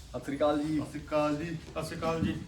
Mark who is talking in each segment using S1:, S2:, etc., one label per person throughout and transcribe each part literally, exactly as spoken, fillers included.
S1: ਸਤਿ ਸ੍ਰੀ ਅਕਾਲ ਜੀ।
S2: ਸਤਿ ਸ਼੍ਰੀ ਅਕਾਲ ਜੀ। ਸਤਿ ਸ਼੍ਰੀ ਅਕਾਲ ਜੀ।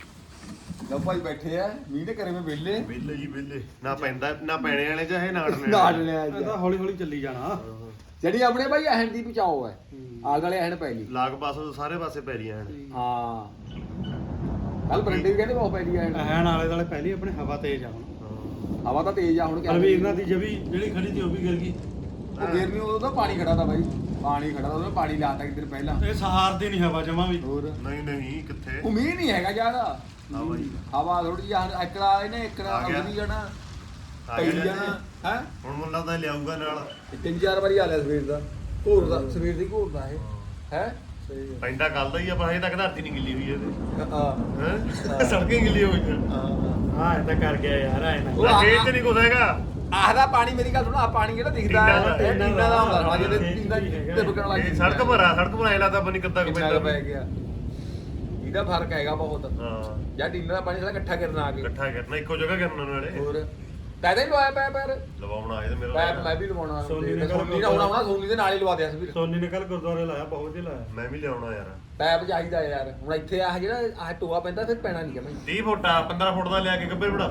S1: ਲਓ ਭਾਈ ਬੈਠੇ ਆ ਮੀਂਹ ਦੇ ਘਰੇ ਮੈਂ ਵਿਹਲੇ
S2: ਵਿਹਲੇ ਜੀ ਵਿਹਲੇ ਨਾ ਪੈਂਦਾ ਨਾ ਪੈਣੇ ਵਾਲੇ ਚਾਹੇ ਨਾ ਅੜਨੇ
S1: ਨਾੜ ਲਿਆ
S3: ਇਹ ਤਾਂ ਹੌਲੀ ਹੌਲੀ ਚੱਲੀ ਜਾਣਾ।
S1: ਜਿਹੜੀ ਆਪਣੇ ਭਾਈ ਅਹਿਣ ਦੀ ਬਚਾਓ ਹੈ ਆਲ ਵਾਲੇ ਅਹਿਣ ਪੈ ਗਈ
S2: ਲਾਗ ਪਾਸੋਂ ਸਾਰੇ ਪਾਸੇ ਪੈ ਰਹੀਆਂ ਹਨ।
S1: ਹਾਂ ਕੱਲ ਬਰੰਡੇ ਵੀ ਕਹਿੰਦੇ ਬਹੁਤ ਪੈ ਗਈ ਅਹਿਣ
S3: ਐਨ ਆਲੇ ਦੁਆਲੇ ਪਹਿਲੀ ਆਪਣੇ ਹਵਾ ਤੇਜ਼ ਆ ਹੁਣ।
S1: ਹਵਾ ਤਾਂ ਤੇਜ਼ ਆ ਹੁਣ ਕਿਆ
S3: ਰਵੀਰ ਨਾਲ ਦੀ ਜਵੀ ਜਿਹੜੀ ਖੜੀ ਸੀ ਉਹ ਵੀ ਗਿਰ ਗਈ।
S1: ਉਹ ਗੇਰ ਨਹੀਂ ਉਦੋਂ ਤਾਂ ਪਾਣੀ ਖੜਾ ਤਾ ਬਾਈ ਪਾਣੀ ਖੜਾ ਤਾ ਉਹਨੇ ਪਾਣੀ ਲਾਤਾ ਕਿਤੇ ਪਹਿਲਾਂ
S3: ਇਹ ਸਹਾਰਦੀ ਨਹੀਂ ਹਵਾ ਜਮਾ ਵੀ।
S1: ਹੋਰ
S2: ਨਹੀਂ ਨਹੀਂ ਕਿੱਥੇ
S1: ਉਹ ਮੀਂਹ ਨਹੀਂ ਹੈਗਾ ਜ਼ਿਆਦਾ
S2: ਹਾਂ ਬਾਈ
S1: ਹਵਾ ਥੋੜੀ ਜਿਹੀ ਇਕੜਾ ਇਹਨੇ ਇਕੜਾ
S2: ਆ ਗਿਆ।
S1: ਅਗਲੀ ਜਾਣਾ
S2: ਆ
S1: ਪਈ
S2: ਗਿਆ
S1: ਜਾਣਾ ਹੈ
S2: ਹੁਣ ਮੈਨੂੰ ਲੱਗਦਾ ਲਿਆਊਗਾ ਨਾਲ
S1: ਤਿੰਨ ਚਾਰ ਵਾਰੀ ਆ ਲਿਆ ਸਵੇਰ ਦਾ ਘੋਰ ਦਾ ਸਵੇਰ ਦੀ ਘੋਰ ਦਾ ਇਹ ਹੈ ਸਹੀ ਹੈ
S2: ਪੈਂਦਾ ਕੱਲ ਦਾ ਹੀ ਆ ਪਰ ਹਜੇ ਤੱਕ ਧਰਤੀ ਨਹੀਂ ਗਿੱਲੀ ਹੋਈ ਇਹਦੇ
S1: ਹਾਂ
S2: ਹੈ ਸੜਕਾਂ ਗਿੱਲੀ ਹੋਈਆਂ
S1: ਹਾਂ
S3: ਹਾਂ ਇਹ ਤਾਂ ਕਰ ਗਿਆ ਯਾਰ ਐ ਨਾ।
S1: ਉਹ ਆ-
S2: ਖੇਤ ਚ ਨਹੀਂ ਕੁਛ ਹੈਗਾ
S1: ਆਹਦਾ ਪਾਣੀ ਮੇਰੀ ਗੱਲ ਸੁਣੋ ਆ ਪਾਣੀ ਜਿਹੜਾ ਦਿਖਦਾ
S2: ਟੀਨਾ ਦਾ-
S1: ਹੈ
S3: ਟੀਨਾ
S1: ਟੀਨਾ ਦਾ ਹੁੰਦਾ ਸਾਲਾ
S3: ਹਾਂ,
S1: ਜਿਹਦੇ
S3: ਇਹ
S1: ਟੀਨਾ
S3: ਵੀ ਹੈਗਾ।
S1: ਤੇ ਬਕਣ ਲੱਗ
S2: ਇਹ ਸੜਕ ਭਰਾ ਸੜਕ ਭਰਾ ਲੱਗਦਾ ਪਤਾ ਨਹੀਂ ਕਿੱਦਾਂ ਕੁ
S1: ਕਿੰਨਾ
S2: ਪੈਂਦਾ
S1: ਕੁ ਪੈ ਗਿਆ ਇਹਦਾ ਫਰਕ ਹੈਗਾ ਬਹੁਤ
S2: ਹਾਂ
S1: ਜਾਂ ਟੀਨਾ ਦਾ ਪਾਣੀ ਸਾਲਾ ਇਕੱਠਾ ਕਰਨਾ ਆ ਕੇ
S2: ਇਕੱਠਾ ਕਰਨਾ ਇੱਕੋ ਜਗ੍ਹਾ ਕਰਨਾ ਨਾਲੇ
S1: ਹੋਰ ਪੈਦਾ ਹੀ ਲਵਾਇਆ ਪੈ ਪੈਰ
S2: ਲਵਾਉਣਾ ਇਹ ਤੇ ਮੇਰਾ
S1: ਪੈਪ ਮੈਂ ਵੀ ਲਵਾਉਣਾ
S3: ਸੋਨੀ ਨੇ
S1: ਸੋਨੀ ਦਾ ਹੋਣਾ ਹੋਣਾ ਸੋਨੀ ਦੇ ਨਾਲ ਹੀ ਲਵਾ ਦਿਆ ਸੀ
S3: ਸੋਨੀ ਨੇ ਕੱਲ ਗੁਰਦੁਆਰੇ ਲਾਇਆ ਬਹੁਤ ਹੀ ਲਾਇਆ।
S2: ਮੈਂ ਵੀ ਲਿਆਉਣਾ ਯਾਰ
S1: ਪੈਪ ਚਾਹੀਦਾ ਯਾਰ ਹੁਣ ਇੱਥੇ ਆ ਜਿਹੜਾ ਆਹ ਟੋਆ ਪੈਂਦਾ ਫਿਰ ਪੈਣਾ ਨਹੀਂ ਕਿ
S2: ਤੀਹ ਫੁੱਟ ਆ ਪੰਦਰਾਂ ਫੁੱਟ ਦਾ ਲਿਆ ਕੇ ਗੱਬੇ ਬੜਾ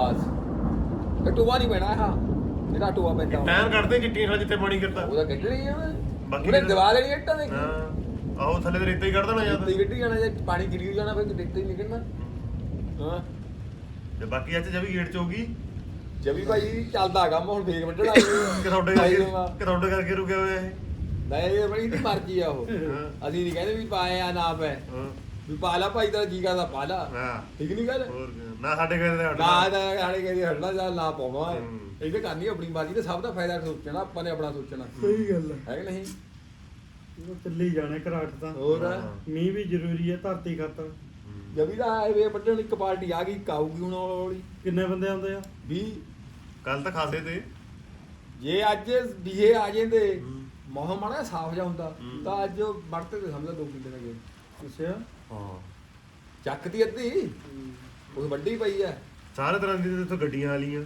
S1: ਬਸ ਇਹ ਟੋਆ ਨਹੀਂ ਪੈਣਾ ਹਾਂ ਜਿਹੜਾ ਟੋਆ ਪੈਂਦਾ
S2: ਟਾਇਰ ਕੱਢਦੇ ਚਿੱਟੀਆਂ ਖੜਾ ਜਿੱਥੇ ਪਾਣੀ ਗਿਰਦਾ
S1: ਉਹਦਾ ਕੱਢਣੀ ਆ
S2: ਬਾਕੀ
S1: ਉਹਨੇ
S2: ਜਿਹੜਾ-
S1: ਦਵਾ ਲੈਣੀ ਇੱਟਾਂ ਦੇ
S2: ਹਾਂ ਆਹੋ ਥੱਲੇ ਤੇ ਰੇਤਾ ਹੀ ਕੱਢ ਦੇਣਾ ਜਾਂ
S1: ਤੇ ਗੱਡੀ ਜਾਣਾ ਜੇ ਪਾਣੀ ਗਿਰੀ ਜਾਣਾ ਫਿਰ ਦੇਖਤੇ ਹੀ ਨਿਕਲਣਾ ਹਾਂ
S2: ਤੇ ਬਾਕੀ ਅੱਜ ਜਵੀ ਗੇਟ ਚ ਹੋਗੀ
S1: ਜਵੀ ਭਾਈ ਚੱਲਦਾ ਕੰਮ ਹੁਣ ਫੇਕ ਵੱਢਣਾ
S2: ਕਿ ਤੁਹਾਡੇ ਕਰਕੇ ਕਿ ਤੁਹਾਡੇ ਕਰਕੇ ਰੁਕਿਆ ਹੋਇਆ ਇਹ
S1: ਨਹੀਂ ਇਹ ਬੜੀ ਦੀ ਮਰਜ਼ੀ ਆ ਉਹ
S2: ਹਾਂ
S1: ਅਸੀਂ ਨਹੀਂ ਕਹਿੰਦੇ ਵੀ ਪਾਏ ਆ ਨਾ ਪਏ
S2: ਹਾਂ
S1: ਵੀ ਪਾ ਲਾ ਭਾਈ ਤੇਰਾ ਜੀ ਕਰਦਾ ਪਾ ਲਾ
S2: ਹਾਂ
S1: ਠੀਕ ਨਹੀਂ ਗੱਲ
S2: ਹੋਰ ਕੀ। ਨਾ ਸਾਡੇ ਘਰੇ ਤੇ
S1: ਨਾ
S2: ਹਟਣਾ
S1: ਦਾ ਸਾਡੇ ਕਹਿੰਦੇ ਹਟਣਾ ਜਾਂ ਨਾ ਪਾਉਣਾ
S2: ਹੂੰ।
S1: ਇਹ ਤਾਂ ਕਰਨੀ ਆਪਣੀ ਮਰਜ਼ੀ ਤੇ ਸਭ ਦਾ ਫਾਇਦਾ ਸੋਚਣਾ ਆਪਾਂ ਨੇ ਆਪਣਾ ਸੋਚਣਾ
S3: ਸਹੀ ਗੱਲ
S1: ਹੈ ਕਿ ਨਹੀਂ
S3: ਉਹ ਚੱਲੀ ਜਾਣੇ ਘਰਾਟ ਤਾਂ।
S1: ਹੋਰ
S2: ਹਾਂ।
S3: ਮੀਂਹ ਵੀ ਜ਼ਰੂਰੀ ਹੈ ਧਰਤੀ ਖਾਤਰ।
S1: ਜਵੀ ਦਾ ਆਏ ਵੇ ਵੱਢਣ ਇੱਕ ਪਾਰਟੀ ਆ ਗਈ ਇੱਕ ਆਊਗੀ ਹੁਣ ਹੌਲੀ
S3: ਕਿੰਨੇ ਬੰਦੇ ਆਉਂਦੇ ਆ?
S1: ਵੀ
S2: ਕੱਲ ਤਾਂ ਖਾਸੇ ਤੇ
S1: ਜੇ ਅੱਜ ਵੀਏ ਆ ਜਾਂਦੇ
S2: ਹੂੰ।
S1: ਮੌਸਮ ਮਾੜਾ ਸਾਫ ਜਾ ਹੁੰਦਾ
S2: ਹੂੰ।
S1: ਤਾਂ ਅੱਜ ਵੜਤੇ ਤੇ ਸਮਝਦਾ ਦੋ ਕਿੱਲੇ ਨਾਲ ਗਏ
S3: ਅੱਛਾ।
S2: ਹਾਂ
S1: ਚੱਕਦੀ ਅੱਧੀ ਉਹ ਵੱਡੀ ਪਈ ਐ
S2: ਸਾਰੇ ਤਰ੍ਹਾਂ ਦੀ ਇੱਥੇ ਗੱਡੀਆਂ ਆਲੀਆਂ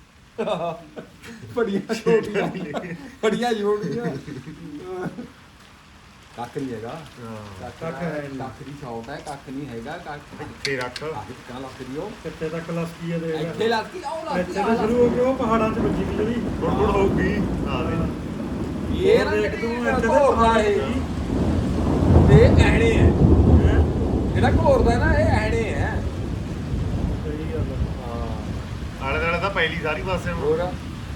S1: ਬੜੀਆਂ ਛੋਟੀਆਂ ਬੜੀਆਂ ਛੋਟੀਆਂ ਕੱਖ ਨਹੀਂ ਹੈਗਾ
S2: ਹਾਂ
S1: ਕੱਖ ਹੈ ਕੱਖ ਦੀ ਸ਼ੌਟ ਹੈ ਕੱਖ ਨਹੀਂ ਹੈਗਾ ਕੱਖ
S2: ਇੱਥੇ ਰੱਖ
S1: ਕੱਖ ਕਿੰਨਾ ਲੱਗ ਰਹੀ ਉਹ
S3: ਕਿੱਥੇ ਤੱਕ ਲੱਸਕੀ ਆ ਦੇ
S1: ਇੱਥੇ ਲੱਗੀ ਆਉ ਲੱਗੀ
S3: ਇੱਥੇ ਤਾਂ ਸ਼ੁਰੂ ਹੋ ਕੇ ਉਹ ਪਹਾੜਾਂ 'ਚ ਵੱਜੀ ਬਿਜਲੀ।
S2: ਹੁਣ ਹੁਣ ਹੋਊਗੀ ਹਾਂ ਦੇ
S1: ਇਹ ਨਾ
S3: ਦੇਖ ਤੂੰ ਇੱਥੇ ਤਾਂ
S1: ਘੋਰਦਾ
S3: ਪਹਾੜ
S1: ਇਹ
S3: ਹੀ।
S1: ਇਹ ਐਣੇ ਹੈ
S3: ਹੈਂ?
S1: ਜਿਹੜਾ ਘੋਰਦਾ ਨਾ ਇਹ ਐਣੇ ਹੈ
S3: ਸਹੀ ਗੱਲ ਆ।
S1: ਹਾਂ
S2: ਆਲੇ ਦਾਲੇ ਤਾਂ ਪਹਿਲੀ ਸਾਰੀ ਪਾਸੇ ਨੂੰ
S1: ਹੋਰ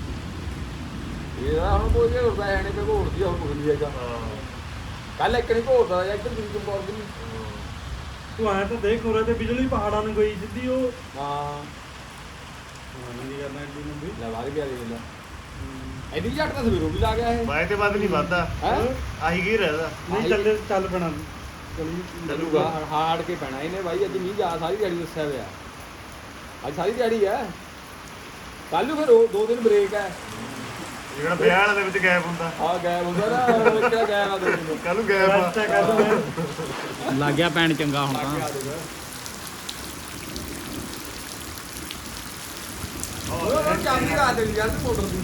S1: ਇਹ ਨਾ ਹੁਣ ਕੋਈ ਘੋਰਦਾ ਐਣੇ ਤੇ ਘੋਰਦੀ ਆ, ਹੁਣ ਕੁਝ ਨਹੀਂ ਹੈਗਾ
S2: ਹਾਂ
S1: ਕੱਲ ਇੱਕ ਨਹੀਂ ਘੋਰਦਾ ਜਾਂ ਇੱਧਰ ਦੂਜੀ ਕੋਲ ਦੀ
S3: ਤੂੰ ਆਇਆ ਤਾਂ ਦੇਖ ਉਰੇ ਤੇ ਬਿਜਲੀ ਪਹਾੜਾਂ ਨੂੰ ਗਈ ਸਿੱਧੀ ਉਹ।
S1: ਹਾਂ
S3: ਨਹੀਂ ਕਰਨਾ ਐਡੀ ਨੂੰ ਵੀ।
S1: ਲੈ ਬਾਹਰ ਗਿਆ ਦੇ ਲੈ ਐਡੀ ਝੱਟ ਤਾਂ ਸਵੇਰੋਂ ਵੀ ਲਾ ਗਿਆ ਇਹ
S2: ਬਾਏ ਤੇ ਵੱਧ ਨਹੀਂ ਵੱਧਦਾ
S1: ਹੈ
S2: ਆਹੀ ਕੀ ਰਹਿਦਾ
S3: ਨਹੀਂ ਚੱਲੇ ਚੱਲ ਪੈਣਾ ਚਲੀ
S1: ਚੱਲੂਗਾ ਹਾੜ ਕੇ ਪੈਣਾ ਇਹਨੇ ਬਾਈ ਅੱਜ ਮੀਂਹ ਜਾ ਸਾਰੀ ਦਿਹਾੜੀ ਦੱਸਿਆ ਹੋਇਆ ਅੱਜ ਸਾਰੀ ਦਿਹਾੜੀ ਹੈ ਕੱਲ ਨੂੰ ਫਿਰ ਉਹ ਦੋ ਦਿਨ ਬ੍ਰੇਕ ਹੈ
S2: ਜਿਹੜਾ ਵਿਆਹ ਵਾਲੇ ਦੇ ਵਿੱਚ ਗੈਪ ਹੁੰਦਾ
S1: ਆ ਗਾਇਬ ਹੁੰਦਾ ਨਾ ਉਹ ਕਿਹੜਾ ਗਾਇਬ ਆ ਦੋ ਦਿਨ
S2: ਕੱਲ ਨੂੰ ਗੈਪ
S3: ਰੈਸਟ
S2: ਆ
S3: ਕਰ ਲੈ।
S4: ਲੱਗ ਗਿਆ ਪੈਣ ਚੰਗਾ ਹੁਣ ਤਾਂ
S1: ਉਹ ਚਾਬੀ ਲਾ ਦੇਣੀ ਯਾਰ ਮੋਟਰ ਦੀ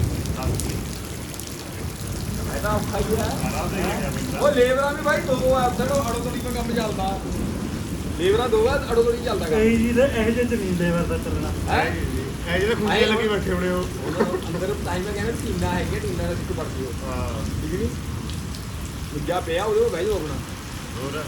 S1: ਐਦਾ ਔਖਾ ਹੀ ਹੈ ਉਹ ਲੇਬਰਾਂ ਵੀ ਭਾਈ ਦੋ ਆ ਅਫਸਰ ਉਹ ਅੜੋ ਤੜੀ ਕੰਮ ਚੱਲਦਾ ਲੇਬਰਾਂ ਦੋ ਆ ਅੜੋ ਤੜੀ ਚੱਲਦਾ ਕੰਮ
S3: ਕਈ ਜੀ ਦੇ ਇਹੋ ਜਿਹੇ ਜ਼ਮੀਨ ਦੇ ਵਰਦਾ ਚੱਲਣਾ।
S1: ਹੈ
S2: ਇਹ ਜਿਹੜੇ ਖੁੰਝੇ ਲੱਗੀ ਬੈਠੇ ਹੋਣੇ ਉਹ
S1: ਅੰਦਰ ਟਾਈਮ ਮੈਂ ਕਹਿੰਦਾ ਟੀਨਾ ਹੈਗੇ ਟੀਨਾ ਦਾ ਸਿੱਕ ਪੜਦੀ ਹੋ
S2: ਹਾਂ
S1: ਠੀਕ ਨਹੀਂ ਦੂਜਾ ਪਿਆ ਉਹਦੇ ਕੋਲ ਬਹਿ ਜਾਓ ਆਪਣਾ
S2: ਹੋਰ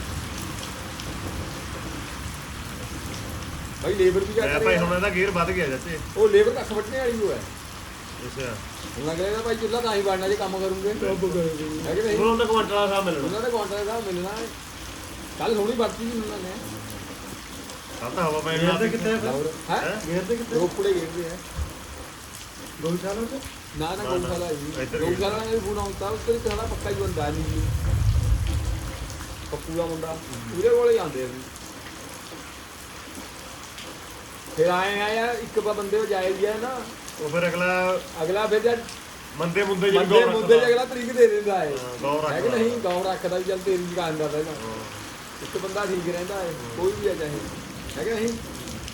S1: ਭਾਈ ਲੇਬਰ ਵੀ
S2: ਮੈਂ
S1: ਕਰ
S2: ਭਾਈ ਹੁਣ ਇਹਦਾ ਗੇਅਰ ਵੱਧ ਗਿਆ ਜੱਤੇ
S1: ਉਹ ਲੇਬਰ ਕੱਖ ਵੱਟਣੇ ਵਾਲੀ ਹੋ ਹੈ
S2: ਅੱਛਾ
S1: ਹੁਣ ਲੱਗ ਰਿਹਾ ਭਾਈ ਚੁੱਲਾ ਤਾਂ ਹੀ ਬਣਨਾ ਜੇ ਕੰਮ ਕਰੂਗੇ
S3: ਸਭ ਕਰੇਗੀ।
S1: ਹੈ ਕਿ ਨਹੀਂ
S2: ਉਹਨਾਂ ਦਾ ਕੁਆਂਟਲ ਦਾ ਹਿਸਾਬ ਮਿਲਣਾ
S1: ਉਹਨਾਂ ਦੇ ਕਾਉਂਟਰ ਦਾ ਮਿਲਣਾ ਕੱਲ ਥੋੜੀ ਵਰਤੀ ਵੀ ਉਹਨਾਂ ਨੇ
S2: ਕੱਲ ਤਾਂ ਹਵਾ ਪੈਣ
S3: ਗੇਰ
S2: ਲੱਗ
S3: ਤੇ
S2: ਪਈ
S3: ਕਿੱਥੇ ਆ?
S1: ਹੈ
S2: ਹੈਂ?
S3: ਗੇਰ ਤੇ ਕਿੱਥੇ?
S1: ਰੋਪੜੇ ਗੇਰਦੇ ਆ
S3: ਗਊਸ਼ਾਲਾ 'ਚ?
S1: ਨਾ ਨਾ
S2: ਨਾ,
S1: ਗਊਸ਼ਾਲਾ ਹੈ
S2: ਇੱਧਰ
S1: ਜੀ ਗਊਸ਼ਾਲਾ ਨੇ ਫੋਨ ਆਉਂਦਾ ਉਸ ਤੇ ਕਿਹੜਾ ਪੱਕਾ ਹੀ ਬੰਦਾ ਨਹੀਂ ਜੀ ਪੱਪੂ ਦਾ ਮੁੰਡਾ ਉਹਦੇ ਕੋਲੇ ਜਾਂਦੇ ਅਸੀਂ ਫਿਰ ਆਏ ਆ ਯਾਰ ਇੱਕ ਬ ਬੰਦੇ ਹੋ ਜਾਏ ਗਿਆ ਨਾ
S2: ਉਹ ਫਿਰ ਅਗਲਾ
S1: ਅਗਲਾ ਫਿਰ ਜਦ
S2: ਮੰਦੇ ਮੁੰਦੇ
S1: ਬੰਦੇ
S2: ਗੌਰ
S1: ਮੁੱਦੇ
S2: ਰੱਖਦਾ।
S1: ਅਗਲਾ ਤਰੀਕ ਦੇ ਦਿੰਦਾ ਹੈ
S2: ਹਾਂ, ਗੌਰ
S1: ਹੈ ਕਿ
S2: ਰੱਖਦਾ।
S1: ਨਹੀਂ ਗੌਰ ਰੱਖਦਾ ਵੀ ਚੱਲ ਤੇਰੀ ਦੁਕਾਨ ਦਾ ਪਹਿਲਾਂ
S2: ਹਾਂ।
S1: ਇੱਕ ਬੰਦਾ ਠੀਕ ਰਹਿੰਦਾ ਹੈ ਕੋਈ ਵੀ ਆ ਚਾਹੇ ਹੈ ਕਿ ਨਹੀਂ